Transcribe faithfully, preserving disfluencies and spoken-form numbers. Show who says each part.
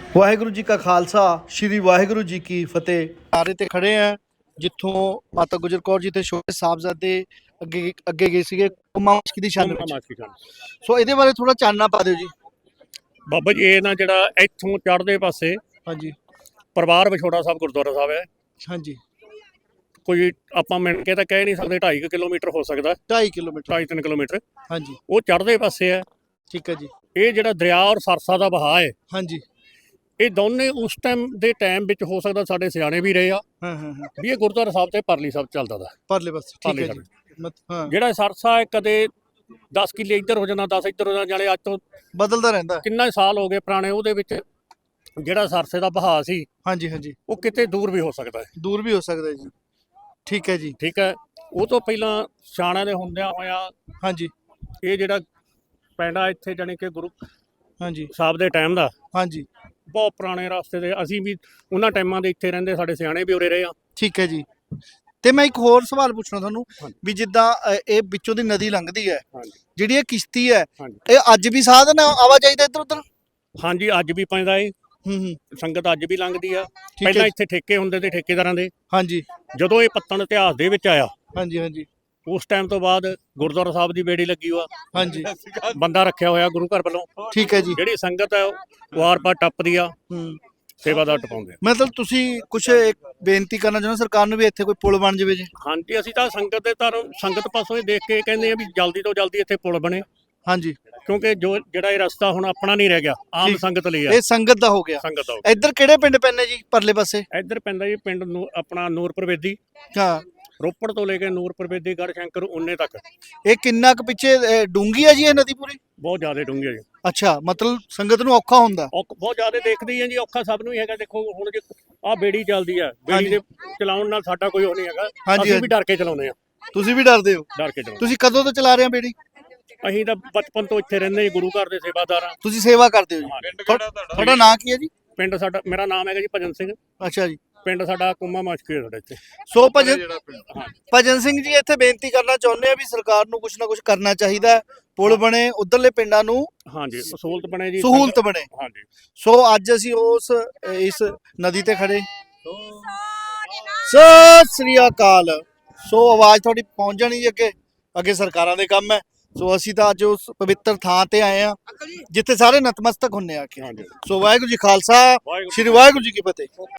Speaker 1: ਵਾਹਿਗੁਰੂ ਜੀ ਕਾ ਖਾਲਸਾ ਸ਼੍ਰੀ ਵਾਹਿਗੁਰੂ ਜੀ ਕੀ ਫਤਿਹ। ਨਾਰੇ ਤੇ ਖੜੇ ਆ ਜਿੱਥੋਂ ਮਾਤਾ ਗੁਜਰ ਕੌਰ ਜੀ ਤੇ ਛੋਟੇ ਸਾਹਿਬਜ਼ਾਦੇ ਅੱਗੇ ਅੱਗੇ ਗਏ ਸੀਗੇ ਕੁੰਮਾ ਮਸਕੀ ਦੀ ਛਾਨ ਵਿੱਚ। ਸੋ ਇਹਦੇ ਬਾਰੇ ਥੋੜਾ ਚਾਨਣਾ ਪਾ ਦਿਓ ਜੀ।
Speaker 2: ਬਾਬਾ ਜੀ ਇਹ ਨਾ ਜਿਹੜਾ ਇੱਥੋਂ ਚੜ੍ਹਦੇ ਪਾਸੇ
Speaker 1: ਹਾਂਜੀ
Speaker 2: ਪਰਿਵਾਰ ਵਿਛੋੜਾ ਸਾਹਿਬ ਗੁਰਦੁਆਰਾ ਸਾਹਿਬ ਹੈ।
Speaker 1: ਹਾਂਜੀ
Speaker 2: ਕੋਈ ਆਪਾਂ ਮਿਣ ਕੇ ਤਾਂ ਕਹਿ ਨਹੀਂ ਸਕਦੇ, ਢਾਈ ਕਿਲੋਮੀਟਰ ਹੋ ਸਕਦਾ,
Speaker 1: ਢਾਈ ਕਿਲੋਮੀਟਰ
Speaker 2: ਢਾਈ ਤਿੰਨ ਕਿਲੋਮੀਟਰ।
Speaker 1: ਹਾਂਜੀ
Speaker 2: ਉਹ ਚੜ੍ਹਦੇ ਪਾਸੇ ਹੈ।
Speaker 1: ਠੀਕ ਹੈ ਜੀ।
Speaker 2: ਇਹ ਜਿਹੜਾ ਦਰਿਆ ਔਰ ਸਰਸਾ ਦਾ ਵਹਾਅ ਹੈ,
Speaker 1: ਹਾਂਜੀ
Speaker 2: ਇਹ ਦੋਨੇ ਉਸ ਟਾਈਮ ਦੇ ਟਾਈਮ ਵਿੱਚ ਹੋ ਸਕਦਾ ਸਾਡੇ ਸਿਆਣੇ ਵੀ ਰਹੇ ਆ
Speaker 1: ਹਾਂ ਹਾਂ ਹਾਂ
Speaker 2: ਵੀ ਇਹ ਗੁਰਦੁਆਰਾ ਸਾਹਿਬ ਤੇ ਪਰਲੀ ਸਾਹਿਬ ਚੱਲਦਾ ਦਾ।
Speaker 1: ਪਰਲੇ ਪਾਸੇ ਠੀਕ
Speaker 2: ਪਰਲੇ
Speaker 1: ਹੈ ਜੀ। ਮਤ- ਹਾਂ
Speaker 2: ਜਿਹੜਾ ਸਰਸਾ ਹੈ ਕਦੇ ਦਸ ਕਿੱਲੇ ਇੱਧਰ ਹੋ ਜਾਂਦਾ, ਦਸ ਇੱਧਰ ਹੋ ਜਾਂਦਾ, ਜਾਣੇ ਅੱਜ ਤੋਂ
Speaker 1: ਬਦਲਦਾ ਰਹਿੰਦਾ ਹੈ।
Speaker 2: ਕਿੰਨਾ ਸਾਲ ਹੋ ਗਏ ਪੁਰਾਣੇ। ਉਹਦੇ ਵਿੱਚ ਜਿਹੜਾ ਸਰਸੇ ਦਾ ਵਹਾਅ ਸੀ
Speaker 1: ਹਾਂਜੀ ਹਾਂਜੀ
Speaker 2: ਉਹ ਕਿਤੇ ਦੂਰ ਵੀ ਹੋ ਸਕਦਾ ਹੈ।
Speaker 1: ਦੂਰ ਵੀ ਹੋ ਸਕਦਾ ਹੈ ਜੀ। ਠੀਕ ਹੈ ਜੀ।
Speaker 2: ਠੀਕ ਹੈ। ਉਹ ਤੋਂ ਪਹਿਲਾਂ ਸਿਆਣਿਆਂ ਦੇ ਹੁੰਦਿਆਂ ਹੋਇਆ
Speaker 1: ਹਾਂਜੀ
Speaker 2: ਇਹ ਜਿਹੜਾ ਪਿੰਡ ਆ ਇੱਥੇ ਜਾਣੀ ਕਿ ਗੁਰੂ
Speaker 1: ਹਾਂਜੀ
Speaker 2: ਸਾਹਿਬ ਦੇ ਟਾਈਮ ਦਾ
Speaker 1: ਹਾਂਜੀ
Speaker 2: ਬਹੁਤ ਪੁਰਾਣੇ ਰਸਤੇ ਦੇ, ਅਸੀਂ ਵੀ ਉਹਨਾਂ ਟਾਈਮਾਂ ਦੇ ਇੱਥੇ ਰਹਿੰਦੇ, ਸਾਡੇ ਸਿਆਣੇ ਵੀ ਉਰੇ ਰਹੇ ਆ।
Speaker 1: ਠੀਕ ਹੈ ਜੀ। ਤੇ ਮੈਂ ਇੱਕ ਹੋਰ ਸਵਾਲ ਪੁੱਛਣਾ ਤੁਹਾਨੂੰ
Speaker 2: ਹਾਂਜੀ।
Speaker 1: ਵੀ ਜਿੱਦਾਂ ਅ, ਇਹ ਵਿੱਚੋਂ ਦੀ ਨਦੀ ਲੰਘਦੀ ਹੈ,
Speaker 2: ਹਾਂਜੀ
Speaker 1: ਜਿਹੜੀ ਇਹ ਕਿਸ਼ਤੀ ਹੈ,
Speaker 2: ਹਾਂਜੀ
Speaker 1: ਇਹ ਅੱਜ ਵੀ ਸਾਧਨ ਹੈ ਆਵਾਜਾਈ ਦਾ ਇੱਧਰ ਉੱਧਰ?
Speaker 2: ਹਾਂਜੀ ਅੱਜ ਵੀ ਪੈਂਦਾ ਏ,
Speaker 1: ਹੂੰ ਹੂੰ
Speaker 2: ਸੰਗਤ ਅੱਜ ਵੀ ਲੰਘਦੀ ਆ।
Speaker 1: ਠੀਕ
Speaker 2: ਪਹਿਲਾਂ
Speaker 1: ਹੈ।
Speaker 2: ਇੱਥੇ ਠੇਕੇ ਹੁੰਦੇ ਤੇ ਠੇਕੇਦਾਰਾਂ ਦੇ,
Speaker 1: ਹਾਂਜੀ
Speaker 2: ਜਦੋਂ ਇਹ ਪੱਤਣ ਇਤਿਹਾਸ ਦੇ ਵਿੱਚ ਆਇਆ
Speaker 1: ਹਾਂਜੀ ਹਾਂਜੀ
Speaker 2: ਉਸ ਟਾਈਮ ਤੋਂ ਬਾਅਦ ਗੁਰਦੁਆਰਾ ਸਾਹਿਬ ਦੀ ਬੇੜੀ ਲੱਗੀ ਹੋਆ,
Speaker 1: ਹਾਂਜੀ
Speaker 2: ਬੰਦਾ ਰੱਖਿਆ ਹੋਇਆ ਗੁਰੂ ਘਰ ਵੱਲੋਂ।
Speaker 1: ਠੀਕ ਹੈ ਜੀ।
Speaker 2: ਜਿਹੜੀ ਸੰਗਤ ਹੈ ਉਹ ਵਾਰ ਪਾਰ ਟੱਪਦੀ ਆ,
Speaker 1: ਹੂੰ
Speaker 2: ਸੇਵਾਦਾਰ ਟਪਾਉਂਦੇ ਆ।
Speaker 1: ਮਤਲਬ ਤੁਸੀਂ ਕੁਝ ਇੱਕ ਬੇਨਤੀ ਕਰਨਾ ਚਾਹੁੰਦੇ ਸਰਕਾਰ ਨੂੰ ਵੀ ਇੱਥੇ ਕੋਈ ਪੁਲ ਬਣ ਜਾਵੇ ਜੀ?
Speaker 2: ਹਾਂਜੀ ਅਸੀਂ ਤਾਂ ਸੰਗਤ ਦੇ ਧਰਮ ਸੰਗਤ ਪਾਸੋਂ ਇਹ ਦੇਖ ਕੇ ਕਹਿੰਦੇ ਆ ਵੀ ਜਲਦੀ ਤੋਂ ਜਲਦੀ ਇੱਥੇ ਪੁਲ ਬਣੇ,
Speaker 1: ਹਾਂਜੀ
Speaker 2: ਕਿਉਂਕਿ ਜੋ ਜਿਹੜਾ ਇਹ ਰਸਤਾ ਹੁਣ ਆਪਣਾ ਨਹੀਂ ਰਹਿ ਗਿਆ, ਆਮ
Speaker 1: ਠੀਕ।
Speaker 2: ਸੰਗਤ ਲਈ ਆ।
Speaker 1: ਇਹ ਸੰਗਤ ਦਾ ਹੋ ਗਿਆ।
Speaker 2: ਸੰਗਤ ਦਾ
Speaker 1: ਇੱਧਰ ਕਿਹੜੇ ਪਿੰਡ ਪੈਂਦੇ ਜੀ ਪਰਲੇ ਪਾਸੇ?
Speaker 2: ਇੱਧਰ ਪੈਂਦਾ ਜੀ ਪਿੰਡ ਨੂੰ ਆਪਣਾ ਨੂਰਪੁਰ ਬੇਦੀ,
Speaker 1: ਹਾਂ
Speaker 2: ਰੋਪੜ ਤੋਂ ਲੈ ਕੇ ਨੂਰਪੁਰ ਬੇਦੀ ਗੜ੍ਹ ਸ਼ੰਕਰ ਉਨੇ ਤੱਕ
Speaker 1: ਇਹ ਕਿੰਨਾ ਕੁ ਪਿੱਛੇ ਅ, ਡੂੰਘੀ ਹੈ ਜੀ ਇਹ ਨਦੀ ਪੂਰੀ?
Speaker 2: ਬਹੁਤ ਜ਼ਿਆਦਾ ਡੂੰਘੀ ਹੈ ਜੀ।
Speaker 1: ਅੱਛਾ ਮਤਲਬ ਸੰਗਤ ਨੂੰ ਔਖਾ ਹੁੰਦਾ?
Speaker 2: ਔਖ ਬਹੁਤ ਜ਼ਿਆਦਾ ਦੇਖਦੀ ਹੈ ਜੀ, ਔਖਾ ਸਭ ਨੂੰ ਹੀ ਹੈਗਾ। ਦੇਖੋ ਹੁਣ ਜੇ ਆਹ ਬੇੜੀ ਚੱਲਦੀ ਆ,
Speaker 1: ਹਾਂਜੀ।
Speaker 2: ਬੇੜੀ ਦੇ ਚਲਾਉਣ ਨਾਲ ਸਾਡਾ ਕੋਈ ਉਹ ਨਹੀਂ ਹੈਗਾ,
Speaker 1: ਹਾਂਜੀ,
Speaker 2: ਅਸੀਂ
Speaker 1: ਹਾਂਜੀ।
Speaker 2: ਵੀ ਡਰ ਕੇ ਚਲਾਉਂਦੇ ਆ,
Speaker 1: ਤੁਸੀਂ ਵੀ ਡਰਦੇ ਹੋ?
Speaker 2: ਡਰ ਕੇ ਚਲਾਉਂਦੇ।
Speaker 1: ਤੁਸੀਂ ਕਦੋਂ ਤੋਂ ਚਲਾ ਰਹੇ ਹੋ ਬੇੜੀ?
Speaker 2: ਅਸੀਂ ਤਾਂ ਬਚਪਨ ਤੋਂ ਇੱਥੇ ਰਹਿੰਦੇ ਜੀ, ਗੁਰੂ ਘਰ ਦੇ ਸੇਵਾਦਾਰ ਆ।
Speaker 1: ਤੁਸੀਂ ਸੇਵਾ ਕਰਦੇ ਹੋ ਜੀ? ਤੁਹਾ- ਤੁਹਾਡਾ ਨਾਂ ਕੀ ਹੈ ਜੀ?
Speaker 2: ਪਿੰਡ ਸਾਡਾ, ਮੇਰਾ ਨਾਮ ਹੈਗਾ ਜੀ ਭਜਨ ਸਿੰਘ,
Speaker 1: ਅੱਛਾ ਜੀ।
Speaker 2: ਪਿੰਡ ਸਾਡਾ ਕੁੰਮਾ ਮਸ਼ਕੀ ਹੈ ਸਾਡਾ ਇੱਥੇ।
Speaker 1: ਸੋ ਭਜਨ
Speaker 2: ਹਾਂ
Speaker 1: ਭਜਨ ਸਿੰਘ ਜੀ ਇੱਥੇ ਬੇਨਤੀ ਕਰਨਾ ਚਾਹੁੰਦੇ ਆ ਵੀ ਸਰਕਾਰ ਨੂੰ ਕੁਝ ਨਾ ਕੁਝ ਕਰਨਾ ਚਾਹੀਦਾ ਹੈ, ਪੁਲ ਬਣੇ, ਉਧਰਲੇ ਪਿੰਡਾਂ ਨੂੰ
Speaker 2: ਹਾਂਜੀ ਸਹੂਲਤ ਬਣੇ ਜੀ,
Speaker 1: ਸਹੂਲਤ ਬਣੇ।
Speaker 2: ਹਾਂਜੀ।
Speaker 1: ਸੋ ਅੱਜ ਅਸੀਂ ਉਸ ਇਸ ਨਦੀ ਤੇ ਖੜੇ। ਸਤਿ ਸ੍ਰੀ ਅਕਾਲ। ਸੋ ਆਵਾਜ਼ ਤੁਹਾਡੀ ਪਹੁੰਚ ਜਾਣੀ ਜੀ ਅੱਗੇ, ਅੱਗੇ ਸਰਕਾਰਾਂ ਦੇ ਕੰਮ ਹੈ। ਸੋ ਅਸੀਂ ਤਾਂ ਅੱਜ ਉਸ ਪਵਿੱਤਰ ਥਾਂ ਤੇ ਆਏ ਆ ਜਿੱਥੇ ਸਾਰੇ ਨਤਮਸਤਕ ਹੁੰਨੇ ਆ ਕੇ।
Speaker 2: ਹਾਂਜੀ
Speaker 1: ਸੋ ਵਾਹਿਗੁਰੂ ਜੀ ਖਾਲਸਾ
Speaker 2: ਵਾਹਿਗੁਰੂ।
Speaker 1: ਸ਼੍ਰੀ ਵਾਹਿਗੁਰੂ ਜੀ ਕੀ ਫਤਿਹ।